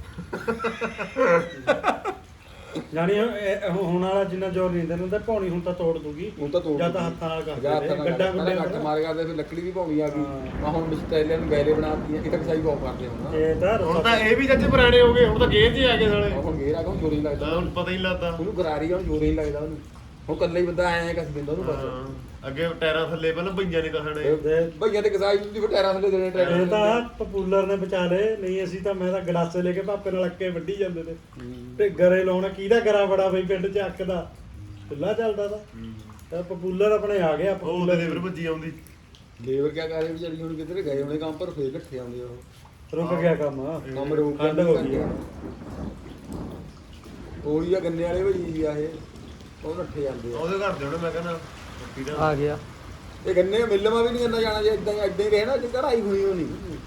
S3: ਜਾਨੀ ਇਹ ਹੁਣ ਵਾਲਾ ਜਿੰਨਾ ਜ਼ੋਰ ਨਹੀਂ ਦਿੰਦਾ ਹੁੰਦਾ ਪੌਣੀ ਹੁਣ ਤਾਂ ਤੋੜ ਦੂਗੀ
S1: ਹੁਣ ਤਾਂ ਤੋੜ
S3: ਜਾਂ ਤਾਂ ਹੱਥਾਂ ਨਾਲ
S1: ਜਾਂ
S3: ਕਰਦੇ
S1: ਤਾਂ
S3: ਨੇ, ਗੱਡਾ
S1: ਗੱਡਾ
S3: ਗੁੱਡਾ
S1: ਮਾਰ ਕਰਦੇ ਫਿਰ ਲੱਕੜੀ ਦੀ ਭੌਣੀ ਆ ਗਈ
S3: ਹਾਂ।
S1: ਮੈਂ ਹੁਣ ਟਰੇਲਿਆਂ ਨੂੰ ਗੈਲੇ ਬਣਾਤੀਆਂ ਇਹ ਤਾਂ ਕਸਾਈ ਬਹੁਤ ਕਰਦੇ ਹੁਣ
S3: ਇਹ ਤਾਂ
S2: ਹੁਣ ਤਾਂ ਇਹ ਵੀ ਜੱਜ ਪੁਰਾਣੇ ਹੋ ਗਏ ਹੁਣ ਤਾਂ ਗੇਰ 'ਚ ਹੀ ਆ ਗਏ ਸਾਲੇ
S1: ਹੁਣ ਗੇਰ ਆ ਕੇ ਜੋਰੀ ਲੱਗਦਾ
S2: ਤਾਂ ਹੁਣ ਪਤਾ ਹੀ ਨਹੀਂ ਲੱਗਦਾ
S1: ਉਹਨੂੰ ਗਰਾਰੀ ਆ ਹੁਣ ਜੋਰੀ ਨਹੀਂ ਲੱਗਦਾ ਉਹਨੂੰ ਹੁਣ ਕੱਲਾ ਹੀ ਬੰਦਾ ਐਂ ਕਸ ਦਿੰਦਾ ਉਹਨੂੰ ਬਸ
S2: ਹਾਂ, ਅੱਗੇ ਟਾਇਰਾਂ ਥੱਲੇ ਪਹਿਲਾਂ ਭਈਆਂ ਨਹੀਂ ਤਾਂ ਖਾਣੇ
S3: ਦੇ-
S1: ਭਈਆਂ ਤੇ ਕਸਾਈ ਹੁੰਦੀ ਫਿਰ ਟਾਇਰਾਂ ਥੱਲੇ ਦੇਣੇ
S3: ਇਹ
S1: ਟਰੈਕਟਰ
S3: ਤਾਂ ਪਪੂਲਰ ਨੇ ਬਚਾ ਲਏ ਨਹੀਂ ਅਸੀਂ ਤਾਂ ਮੈਂ ਤਾਂ ਗਲਾਸੇ ਲੈ ਕੇ ਭਾਪੇ ਨਾਲ ਅੱਕੇ ਵੱਢੀ ਜਾਂਦੇ ਤੇ ਤੇ ਗਰੇ ਲਾਉਣਾ ਕਿਹਦਾ ਗਰਾ ਬੜਾ ਬਈ ਪਿੰਡ ਚ ਅੱਕ ਦਾ ਚੁੱਲਾ ਚੱਲਦਾ ਤਾਂ ਤਾਂ ਪਪੂਲਰ ਆਪਣੇ ਆ ਗਿਆ
S2: ਉਹ ਉਹਦੇ ਲੇਬਰ ਭੱਜੀ ਆਉਂਦੀ
S1: ਲੇਬਰ ਕਿਆ ਕਰ ਰਹੀ ਵਿਚਾਰੀ ਹੁਣ ਕਿੱਧਰ ਗਏ ਹੋਣੇ ਕੰਮ ਪਰ ਫੇਰ ਇਕੱਠੇ ਆਉਂਦੇ ਉਹ
S3: ਰੁਕ ਗਿਆ ਕੰਮ
S1: ਕੰਮ ਰੋਕ
S3: ਠੰਡ ਹੋ ਗਈ ਆ।
S1: ਉਹੀ ਆ ਗੰਨੇ ਵਾਲੇ ਭਾਈ ਆ ਇਹ ਉਹ ਨੱਠੇ ਜਾਂਦੇ ਆ
S2: ਉਹਦੇ ਘਰ ਦੇ ਉਹਨੇ ਮੈਂ ਕਹਿੰਦਾ ਪੱਟੀ ਦਾ
S4: ਆ ਗਿਆ
S1: ਇਹ ਗੰਨੇ ਮਿੱਲ ਮਾ ਵੀ ਨਹੀਂ ਕਰਨਾ ਜਾਣਾ ਜੇ ਇਦਾਂ ਇਦਾਂ ਹੀ ਰਹੇ ਨਾ ਜੇ ਕਢਾਈ ਹੋਈ ਹੋਣੀ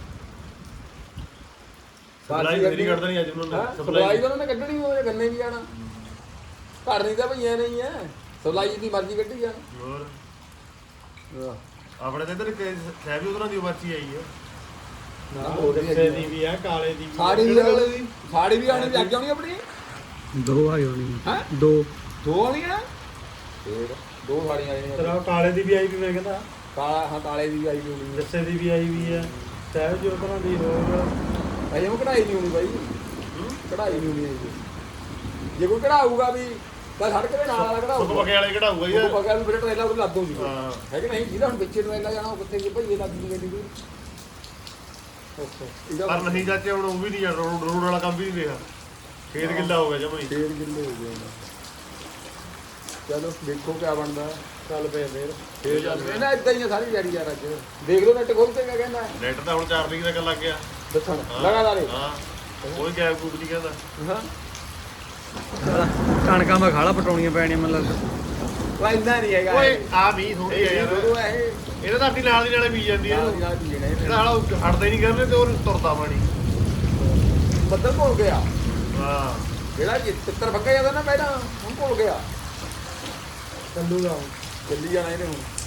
S2: ਸਪਲਾਈ ਮੇਰੀ ਕੱਢਦਾ ਨਹੀਂ ਅੱਜ ਉਹਨਾਂ ਨੇ
S1: ਸਪਲਾਈ ਤਾਂ ਉਹਨਾਂ ਨੇ ਕੱਢਣੀ ਹੋਵੇ ਗੰਨੇ ਵੀ ਜਾਣਾ ਘਰ ਨਹੀਂ ਤਾਂ ਭਈਆਂ ਨਹੀਂ ਹੈ ਸਪਲਾਈ ਦੀ ਮਰਜ਼ੀ ਕੱਢੀ ਜਾਣ
S2: ਹੋਰ
S1: ਆਹ,
S2: ਆਪਣੇ ਤੇ ਇਧਰ ਸਹਿਬੀ ਉਧਰਾਂ ਦੀ ਪਰਚੀ ਆਈ ਹੈ
S3: ਨਾ ਉਹ ਕਿਸੇ ਦੀ ਵੀ ਆ ਕਾਲੇ ਦੀ ਵੀ ਆ।
S1: ਸਾੜੀ ਵੀ ਵਾਲੇ ਦੀ ਸਾੜੀ ਵੀ ਆਣੀ ਲੱਗ ਜਾਣੀ ਆਪਣੀ
S4: ਦੋ ਆ ਹੋਣੀ
S1: ਹੈ
S4: ਦੋ
S1: ਦੋ ਆਣੀਆਂ ਫੇਰ ਦੋ ਸਾੜੀਆਂ ਆਈਆਂ
S3: ਤੇਰਾ ਉਹ ਕਾਲੇ ਦੀ ਵੀ ਆਈ ਵੀ ਮੈਂ ਕਹਿੰਦਾ
S1: ਕਾਲਾ ਹਾਂ ਕਾਲੇ ਦੀ ਵੀ ਆਈ ਵੀ ਹੋਣੀ
S3: ਜੱਸੇ ਦੀ ਵੀ ਆਈ ਵੀ ਆ ਸਹਿਜ ਜੋ ਤਰ੍ਹਾਂ ਦੀ ਹੋਰ
S1: ਅਜੇ ਉਹ ਕਢਾਈ ਨਹੀਂ ਹੋਣੀ ਬਾਈ ਕਢਾਈ ਨਹੀਂ ਹੋਣੀ ਅਜੇ ਜੇ ਕੋਈ ਕਢਾਊਗਾ ਵੀ ਤਾਂ ਸੜਕ ਦੇ ਨਾਲ ਵਾਲਾ
S2: ਸੁੱਕ
S1: ਕਢਾਊਗਾ
S2: ਪਕੇ ਵਾਲੇ ਕਢਾਊਗਾ
S1: ਉਹ
S2: ਯਾਰ
S1: ਪਗਾ ਨੂੰ ਫਿਰ ਟ੍ਰੇਲਰ ਉਹ ਲੱਦ ਦੂਗੀ
S2: ਹਾਂ।
S1: ਹੈ ਕਿ ਨਹੀਂ ਜਿਹਦਾ ਹੁਣ ਪਿੱਛੇ ਟ੍ਰੇਲਰ ਜਾਣਾ ਉਹ ਕਿੱਥੇ ਜੇ ਭਈਏ ਲੱਗ ਜੂਗੇ ਗੱਡੀ ਦੀ ਇਹਦਾ
S2: ਪਰ ਨਹੀਂ ਚਾਚੇ ਹੁਣ ਉਹ ਵੀ ਨਹੀਂ ਰੋਡ ਰੋਡ ਵਾਲਾ ਕੰਮ ਵੀ ਨਹੀਂ ਰਿਹਾ ਖੇਤ ਗਿੱਲਾ ਹੋ ਗਿਆ ਜਮਾ ਹੀ
S1: ਫੇਰ ਕਿੰਨੇ ਹੋ ਗਏ ਚਲੋ ਦੇਖੋ ਕਿਆ ਬਣਦਾ
S3: ਚੱਲ ਪਏ ਫੇਰ
S1: ਫੇਰ ਚੱਲ ਇਹ ਨਾ ਇਦਾਂ ਹੀ ਆ ਸਾਰੀ ਯਾਰੀ ਯਾਰ ਅੱਜ ਦੇਖ ਲਓ ਨੈਟ ਖੋਲ ਕੇ ਕਿਆ ਕਹਿੰਦਾ
S2: ਨੈਟ ਤਾਂ ਹੁਣ ਚਾਰ ਤਰੀਕ ਤੱਕ ਲੱਗ ਗਿਆ
S1: ਦੱਸਣ
S2: ਹਾਂ।
S1: ਲਗਾਤਾਰ ਹੀ।
S2: ਹਾਂ ਕੋਈ ਗੈਪ ਗੂਪ ਨਹੀਂ ਕਹਿੰਦਾ
S1: ਹਾਂ
S4: ਕਣਕਾਂ ਮੈਂ ਖਾਲਾ ਪਟਾਉਣੀਆਂ ਪੈਣੀਆਂ ਮੈਨੂੰ ਲੱਗਦਾ
S1: ਉਹ ਇੰਨਾ ਨਹੀਂ ਹੈਗਾ
S2: ਓਏ ਆ ਵੀ ਥੋੜੀ ਹੈ ਯਾਰ
S1: ਉਹ ਇਹ
S2: ਇਹਦਾ ਤਾਂ ਅੱਡੀ ਨਾਲ ਦੀ ਨਾਲੇ ਬੀਜ ਜਾਂਦੀ ਹੈ
S1: ਨਾਲ ਦੀ ਨਾਲ ਹੀ ਲੈਣਾ
S2: ਇਹਦਾ
S1: ਇਹਨੇ।
S2: ਹਾਲਾ ਹਟਦਾ ਹੀ ਨਹੀਂ ਕਰਨੇ ਤੇ ਉਹ ਤੁਰਦਾ ਪਾਣੀ
S1: ਬੱਦਲ ਭੁੱਲ ਗਿਆ
S2: ਹਾਂ
S1: ਜਿਹੜਾ ਚਿੱਤਰ ਫੱਕਾ ਜਾਂਦਾ ਨਾ ਪਹਿਲਾਂ ਹੁਣ ਭੁੱਲ ਗਿਆ
S3: ਚੱਲੂਗਾ ਹੁਣ
S1: ਚੱਲੀ ਜਾਣਾ ਇਹਨੇ ਹੁਣ